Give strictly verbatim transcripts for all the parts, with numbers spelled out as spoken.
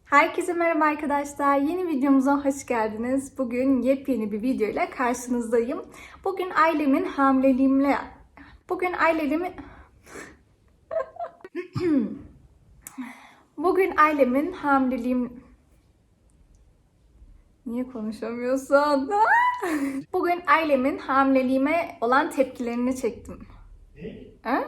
Herkese merhaba arkadaşlar. Yeni videomuza hoş geldiniz. Bugün yepyeni bir video ile karşınızdayım. Bugün ailemin hamileliğimle... Bugün ailemin... Bugün ailemin hamileliğim... Niye konuşamıyorsun? Bugün ailemin hamileliğime olan tepkilerini çektim. Ha?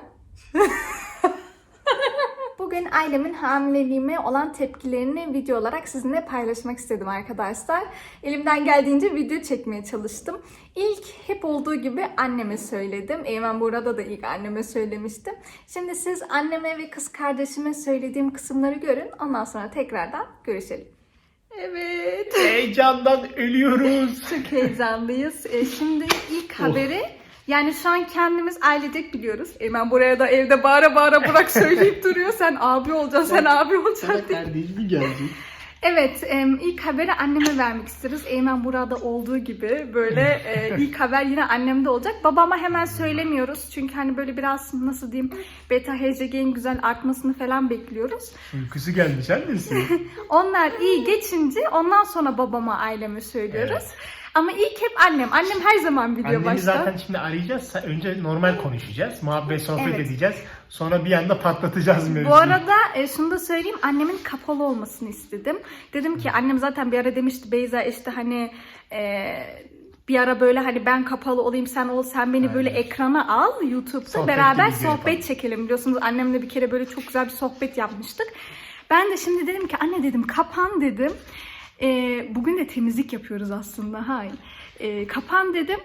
Bugün ailemin hamileliğime olan tepkilerini video olarak sizinle paylaşmak istedim arkadaşlar. Elimden geldiğince video çekmeye çalıştım. İlk hep olduğu gibi anneme söyledim. Eymen burada da ilk anneme söylemiştim. Şimdi siz anneme ve kız kardeşime söylediğim kısımları görün. Ondan sonra tekrardan görüşelim. Evet. Heyecandan ölüyoruz. Çok heyecanlıyız. E, şimdi ilk haberi... Yani şu an kendimiz ailecek biliyoruz. Eymen buraya da evde bağıra bağıra Burak söyleyip duruyor. Sen abi olacaksın, sen abi olacaksın diye. Kardeş mi gelecek? Evet, ilk haberi anneme vermek isteriz. Eymen burada olduğu gibi böyle ilk haber yine annemde olacak. Babama hemen söylemiyoruz. Çünkü hani böyle biraz nasıl diyeyim beta H C G'nin güzel artmasını falan bekliyoruz. Uykusu gelmiş annesi. Onlar iyi geçince ondan sonra babama, aileme söylüyoruz. Evet. Ama ilk hep annem. Annem her zaman biliyor Annemi başta. zaten şimdi arayacağız. Önce normal konuşacağız. Muhabbet, sohbet Evet. edeceğiz. Sonra bir anda patlatacağız mevzuyu. Bu arada e, şunu da söyleyeyim. Annemin kapalı olmasını istedim. Dedim ki annem zaten bir ara demişti Beyza işte hani e, bir ara böyle hani ben kapalı olayım sen ol sen beni Aynen. böyle ekrana al YouTube'da Sohbet beraber sohbet yapalım. çekelim. Biliyorsunuz annemle bir kere böyle çok güzel bir sohbet yapmıştık. Ben de şimdi dedim ki anne dedim kapan dedim. E, bugün de temizlik yapıyoruz aslında. Hayır. E, kapan dedim.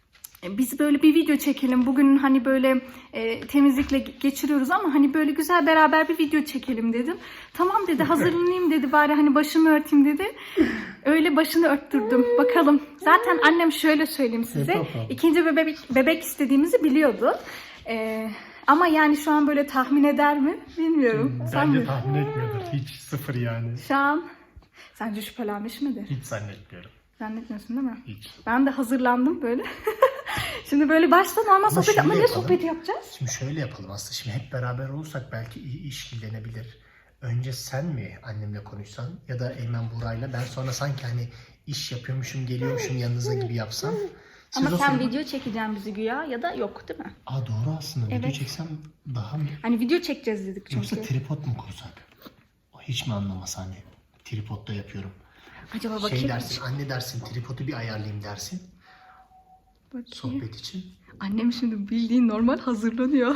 Biz böyle bir video çekelim. Bugün hani böyle e, temizlikle geçiriyoruz ama hani böyle güzel beraber bir video çekelim dedim. Tamam dedi hazırlanayım dedi bari hani başımı örteyim dedi. Öyle başını örttürdüm. Bakalım. Zaten annem şöyle söyleyeyim size. İkinci bebek, bebek istediğimizi biliyordu. E, ama yani şu an böyle tahmin eder mi bilmiyorum. Bence Sen tahmin etmiyordur. Hiç sıfır yani. Şu an sence şüphelenmiş midir? Hiç zannetmiyorum. Zannetmiyorsun değil mi? Hiç. Ben de hazırlandım böyle. Şimdi böyle baştan normal sohbet ama ne sohbet yapacağız? Şimdi şöyle yapalım aslında. Şimdi hep beraber olursak belki iyi işkillenebilir. Önce sen mi annemle konuşsan ya da Eymen Buray'la ben sonra sanki hani iş yapıyormuşum geliyormuşum yanınıza gibi yapsam. Siz Ama sen sırada... video çekeceğim bizi güya ya da yok değil mi? Aa doğru aslında. Evet. Video çeksem daha mı? Hani video çekeceğiz dedik çünkü. Yoksa tripod mu kursak? O hiç mi anlamaz hani? Tripodda yapıyorum. Acaba bakayım. Şey dersin, anne dersin, tripodu bir ayarlayayım dersin. Bakayım. Sohbet için. Annem şimdi bildiğin normal hazırlanıyor.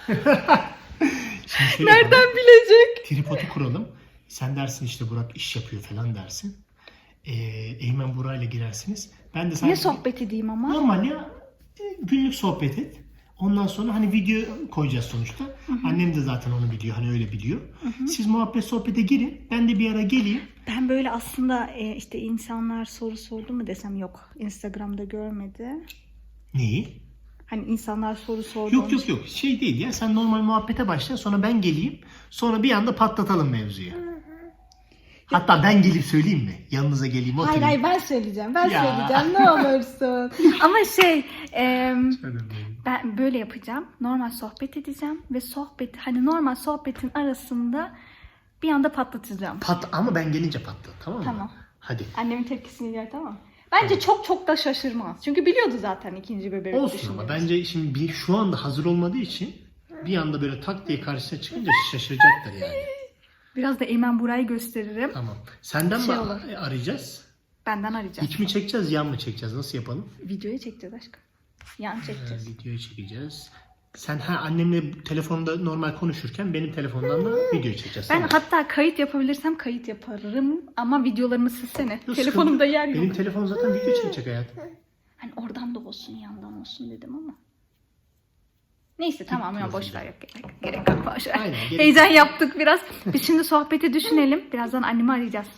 Şimdi nereden yapalım. bilecek? Tripodu kuralım. Sen dersin işte Burak iş yapıyor falan dersin. Ee, Eymen Buray'la girersiniz. Ben de sadece... Ne sohbet edeyim ama? Normal ya. Günlük sohbet et. Ondan sonra hani video koyacağız sonuçta. Hı hı. Annem de zaten onu biliyor. Hani öyle biliyor. Hı hı. Siz muhabbet sohbete girin. Ben de bir ara geleyim. Ben böyle aslında e, işte insanlar soru sordu mu desem yok. Instagram'da görmedi. Neyi? Hani insanlar soru sordu. Yok yok yok. Şey değil ya. Sen normal muhabbete başla. Sonra ben geleyim. Sonra bir anda patlatalım mevzuyu. Hatta ben gelip söyleyeyim mi? Yanınıza geleyim oturayım. Hayır hayır ben söyleyeceğim. Ben Ya. söyleyeceğim ne olursun. Ama şey e, ben böyle yapacağım. Normal sohbet edeceğim ve sohbet hani normal sohbetin arasında bir anda patlatacağım. Pat ama ben gelince patlat tamam mı? Tamam. Hadi. Annemin tepkisini gör tamam. Bence tamam. çok çok da şaşırmaz. Çünkü biliyordu zaten ikinci bebeği. Olsun ama bence şimdi bir şu anda hazır olmadığı için bir anda böyle tak diye karşısına çıkınca şaşıracaktır yani. Biraz da Eymen Buray'ı gösteririm. Tamam. Senden şey mi olur. arayacağız? Benden arayacağız. İç mi çekeceğiz, yan mı çekeceğiz? Nasıl yapalım? Videoyu çekeceğiz aşkım. Yan çekeceğiz. Ha, videoyu çekeceğiz. Sen ha annemle telefonda normal konuşurken benim telefondan da video çekeceğiz. Ben tamam. hatta kayıt yapabilirsem kayıt yaparım ama videolarımı silsene. Yok, Telefonumda yer yok. Benim telefon zaten video çekecek hayatım. Hani oradan da olsun yandan olsun dedim ama. Neyse tamam ya boş ver yok gerek, gerek yok boş ver. Aynen, gerek Heyecan yaptık biraz. Biz şimdi sohbeti düşünelim. Birazdan annemi arayacağız.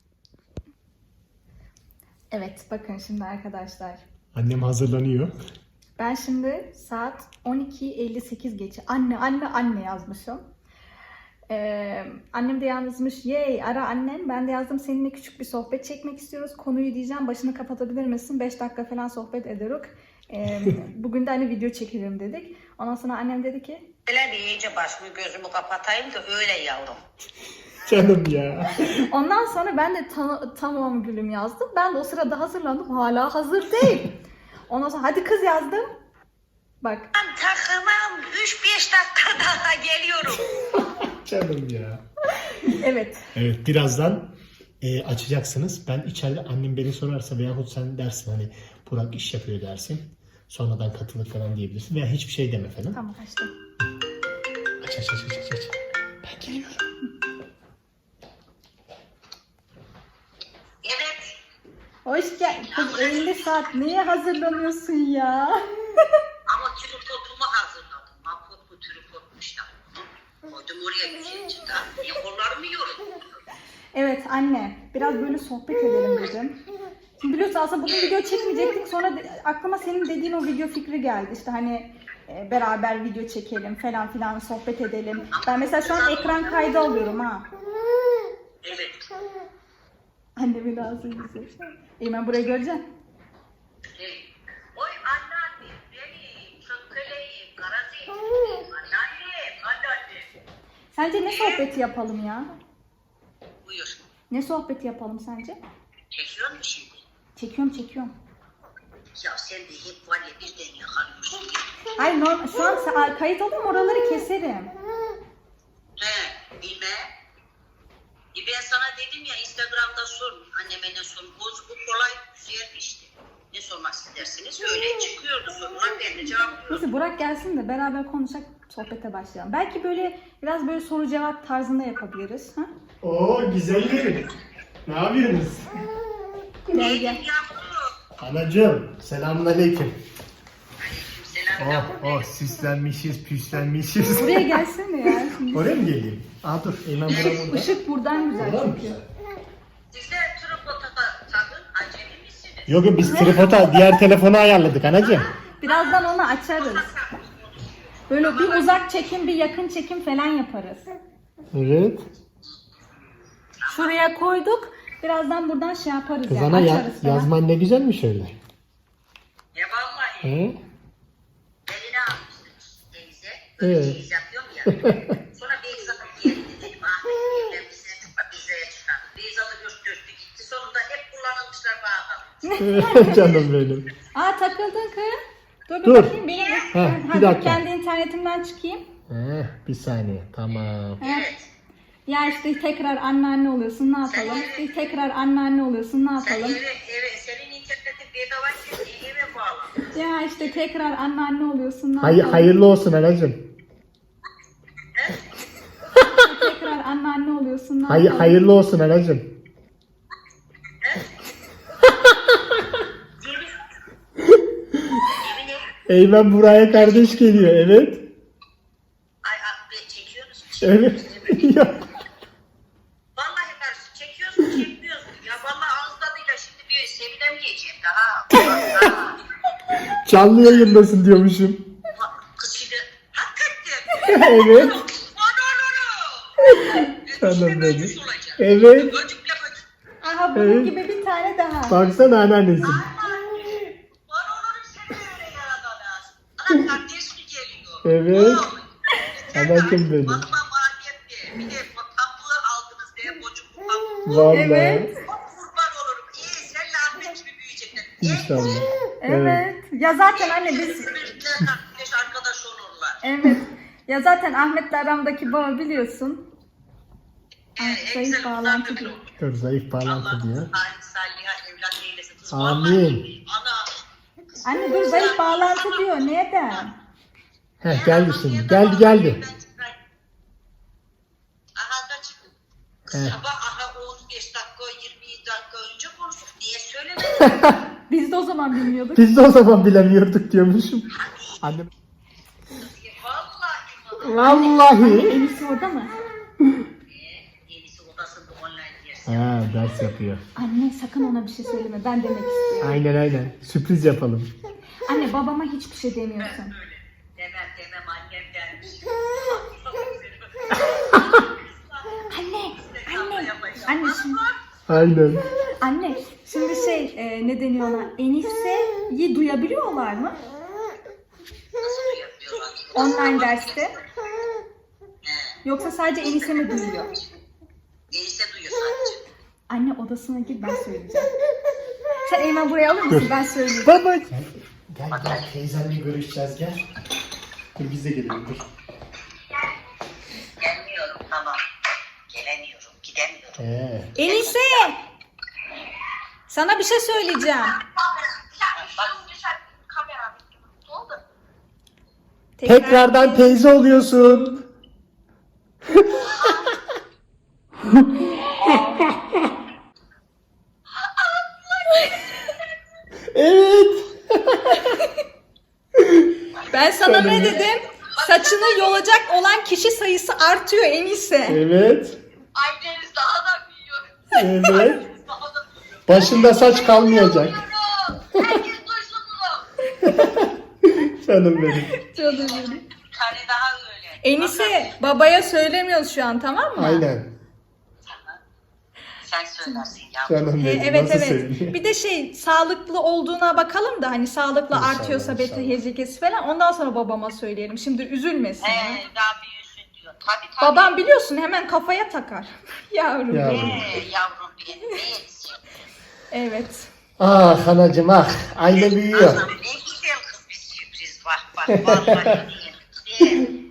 Evet bakın şimdi arkadaşlar. Annem hazırlanıyor. Ben şimdi saat on iki elli sekiz geçe anne anne anne yazmışım. Ee, annem de yazmış yey ara annem. Ben de yazdım seninle küçük bir sohbet çekmek istiyoruz. Konuyu diyeceğim başını kapatabilir misin? beş dakika falan sohbet ederiz. Ee, bugün de hani video çekelim dedik. Ondan sonra annem dedi ki Böyle bir iyice başımı gözümü kapatayım da öyle yavrum. Canım ya. Ondan sonra ben de ta- tamam gülüm yazdım. Ben de o sırada hazırlandım. Hala hazır değil. Ondan sonra hadi kız yazdım. Bak. Ben takımım üç beş dakika daha geliyorum. Canım ya. Evet. Evet, birazdan e, açacaksınız. Ben içeride annem beni sorarsa veyahut sen dersin hani Burak iş yapıyor dersin. Sonradan katılır falan diyebilirsin. Veya hiçbir şey deme falan. Tamam açtım. Aç aç aç aç aç. aç. Ben geliyorum. Evet. Hoş geldin. Kız elli saat neye hazırlanıyorsun ya? Ama tripodumu hazırladım. Mahput bu tripodmuş da. Koydum oraya güzelce de. Niye kollarımı yiyorum? Evet anne. Biraz böyle sohbet edelim dedim. Şimdi biliyorsun aslında bugün video çekmeyecektik. Sonra de- aklıma senin dediğin o video fikri geldi. İşte hani e, beraber video çekelim falan filan sohbet edelim. Ben mesela şu an ekran kaydı alıyorum ha. Evet. Annemin ağzı güzel. İyi ben burayı göreceğim. Evet. Oy anneanne, benim, çökkeleyim, karazeyim, anneannem, anneannem. Sence ne sohbeti yapalım ya? Buyur. Ne sohbeti yapalım sence? Çekiyor musun şimdi? Çekiyorum çekiyorum. Ya sen de hep var ya birden yakalıyorsun. Hayır normal, şu an sa- kayıt alıyorum oraları keserim. He, bilmem. E ben sana dedim ya Instagram'da sor, anneme ne sor. Bu, bu kolay güzel işte. Ne sormak istersiniz? Öyle çıkıyordu sorular, ben de cevaplıyorum. Neyse Burak gelsin de beraber konuşacak sohbete başlayalım. Belki böyle biraz böyle soru cevap tarzında yapabiliriz. Ha? Oo güzellerim. Ne yapıyorsunuz? Gel gel. Yavrum. Anacığım, selamünaleyküm. Aleykümselam Oh yavrum. oh süslenmişiz, püslenmişiz. Buraya gelsene ya. Şimdi. Oraya mı geleyim? Aa dur, Eymen burada burada. Işık buradan güzel Burada mı çünkü. güzel? Siz de tripota takın, acemi misiniz? Yok yok biz tripota diğer telefonu ayarladık anacığım. Birazdan onu açarız. Böyle bir uzak çekim, bir yakın çekim falan yaparız. Evet. Şuraya koyduk. Birazdan buradan şey yaparız Kız yani. ana ya, Açarız falan. yazman ne güzelmiş öyle. Ya vallahi. He? Eline almıştım teyze. Böyle Evet. çeyiz yapıyorum ya. Sonra Beyzat'ın yerine dedim. Ahmet Bey'den bize Bize'ye çıkardı. Beyzat'ı gösterdi gitti. Sonunda hep kullanılmışlar bağlı. Canım benim. Aa takıldın kız. Dur bir Dur. bakayım benim. Heh, Ha, bir dur, dakika. kendi internetimden çıkayım. Heh, bir saniye tamam. Evet. Ya işte tekrar anneanne oluyorsun ne yapalım? İşte tekrar anneanne oluyorsun ne Sen yapalım? eve, eve, senin internetin bedava ki eve bağlı. Ya işte tekrar anneanne oluyorsun ne Hay yapalım? hayırlı olsun anacığım. Tekrar anneanne oluyorsun ne Hay yapalım? hayırlı olsun anacığım. Yemin. Yemin et. Eymen buraya kardeş geliyor evet. Ay abi çekiyor musun? Evet. Yok. Vallahi karşı çekiyorsun çekmiyorsun. Ya vallahi ağız tadıyla şimdi bir Sevilem yiyeceğim daha. Daha. Canlı yayındasın diyormuşum. Kız şimdi hakikaten. Evet. Canım Canım benim. Evet. Evet. Böcükle böcük. Aha bunun Evet. gibi bir tane daha. Baksana anneannesin. Var olur sen öyle yaradana. Ana kardeşlik geliyor. Evet. Oy. Anacığım benim. Bakma maliyet diye. Bir de pambuğu aldınız diye bocuk pambuğu. Vallahi. Evet. Çok kurban olurum. İyi senle Ahmet gibi büyüyecekler. İnşallah. Evet. Ya zaten anne biz Birbirine kardeş arkadaş olurlar. evet. Ya zaten Ahmet'le aramdaki bağı biliyorsun. Evet, en zayıf güzel bağlantı bunlar diyor. böyle olur. Dur zayıf bağlantı Allah diyor. salih salih evlat eylesin. Kız Amin. vallahi, Ana. Anne dur zayıf bağlantı diyor. Neden? Heh geldi şimdi. Geldi geldi. Aha da çıktı. Evet. Sabah aha on beş dakika yirmi dakika önce konuştuk. Niye söylemedin? Biz de o zaman bilmiyorduk. Biz de o zaman bilemiyorduk diyormuşum. Annem. Vallahi. Vallahi. Enisi orada mı? Yenisi odasında online dersi. Ha ders yapıyor. Anne sakın ona bir şey söyleme. Ben demek istiyorum. Aynen aynen. Sürpriz yapalım. Anne babama hiçbir şey demiyorsun. Öyle. Demem demem annem dermiş. Anne, anne, anne şimdi, Aynen. anne şimdi şey e, ne deniyor ona? Enise'yi duyabiliyorlar mı? Nasıl yapıyorlar? Online derste. He. Yoksa sadece Enise mi duyuyor? Enişte duyuyor sadece. Anne odasına gir, ben söyleyeceğim. Sen Eymen buraya alır mısın? Ben söyleyeyim. Baba. Gel gel, gel. Teyzenle görüşeceğiz gel. Dur biz de gelelim dur. Gelmiyorum tamam. Gelemiyorum, gidemiyorum. Ee. Enise! Sana bir şey söyleyeceğim. Tekrardan teyze oluyorsun. Evet. Ben sana ne dedim? Saçını yolacak olan kişi sayısı artıyor Enise. Evet. Aileniz daha da büyüyor. Evet. Daha da büyüyor. Başında saç kalmayacak. Herkes duysun bunu. Canım benim. Canım benim. Bir tane daha öyle. Enise, babaya söylemiyoruz şu an, tamam mı? Aynen. Tamam. Sen söylersin ya. Canım He, benim. evet Nasıl evet. söyleyeyim? Bir de şey, sağlıklı olduğuna bakalım da hani sağlıklı İnşallah, artıyorsa beta inşallah. H C G'si falan, ondan sonra babama söyleyelim. Şimdi üzülmesin. ya. Ee, daha büyüsün diyor. Tabii tabii. Babam biliyorsun hemen kafaya takar. Yavrum. Ya. benim. Ee, yavrum benim ne etsin? Evet. Ah anacım ah. Aile büyüyor. Anam ne güzel kız bir sürpriz. Bak bak vallahi değil.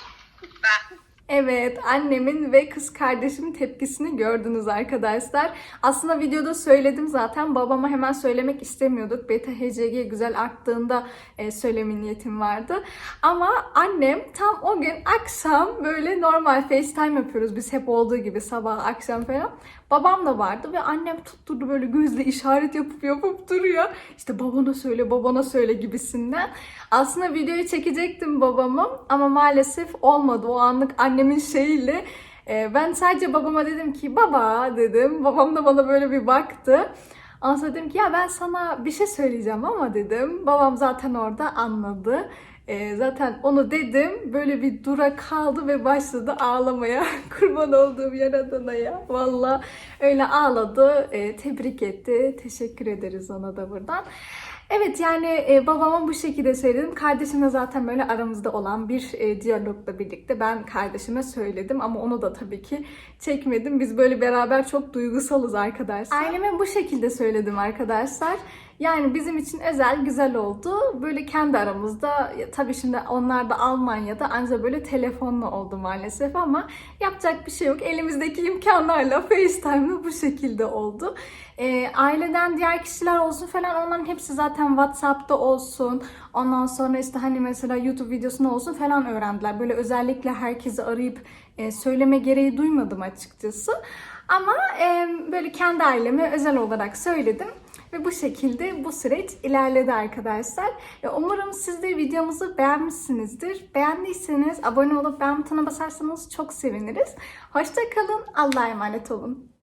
Bak. Evet, annemin ve kız kardeşimin tepkisini gördünüz arkadaşlar. Aslında videoda söyledim zaten. Babama hemen söylemek istemiyorduk. Beta H C G güzel arttığında e, söyleme niyetim vardı. Ama annem tam o gün akşam böyle normal FaceTime yapıyoruz. Biz hep olduğu gibi sabah akşam falan. Babam da vardı ve annem tutturdu böyle gözle işaret yapıp yapıp duruyor. İşte babana söyle, babana söyle gibisinden. Aslında videoyu çekecektim babamı ama maalesef olmadı. O anlık annemin şeyiyle. Ee, ben sadece babama dedim ki baba dedim. Babam da bana böyle bir baktı. Ondan sonra dedim ki ya ben sana bir şey söyleyeceğim ama dedim. Babam zaten orada anladı. Ee, zaten onu dedim, böyle bir dura kaldı ve başladı ağlamaya. Kurban olduğum Yaradan'a ya. Valla öyle ağladı, ee, tebrik etti. Teşekkür ederiz ona da buradan. Evet yani e, babama bu şekilde söyledim. Kardeşimle zaten böyle aramızda olan bir e, diyalogla birlikte ben kardeşime söyledim. Ama onu da tabii ki çekmedim. Biz böyle beraber çok duygusalız arkadaşlar. Aileme bu şekilde söyledim arkadaşlar. Yani bizim için özel, güzel oldu. Böyle kendi aramızda, ya tabii şimdi onlar da Almanya'da ancak böyle telefonla oldu maalesef ama yapacak bir şey yok. Elimizdeki imkanlarla FaceTime'la bu şekilde oldu. E, aileden diğer kişiler olsun falan, onların hepsi zaten WhatsApp'ta olsun. Ondan sonra işte hani mesela YouTube videosunda olsun falan öğrendiler. Böyle özellikle herkesi arayıp e, söyleme gereği duymadım açıkçası. Ama e, böyle kendi aileme özel olarak söyledim. Ve bu şekilde bu süreç ilerledi arkadaşlar. Umarım siz de videomuzu beğenmişsinizdir. Beğendiyseniz abone olup beğen butonuna basarsanız çok seviniriz. Hoşça kalın. Allah'a emanet olun.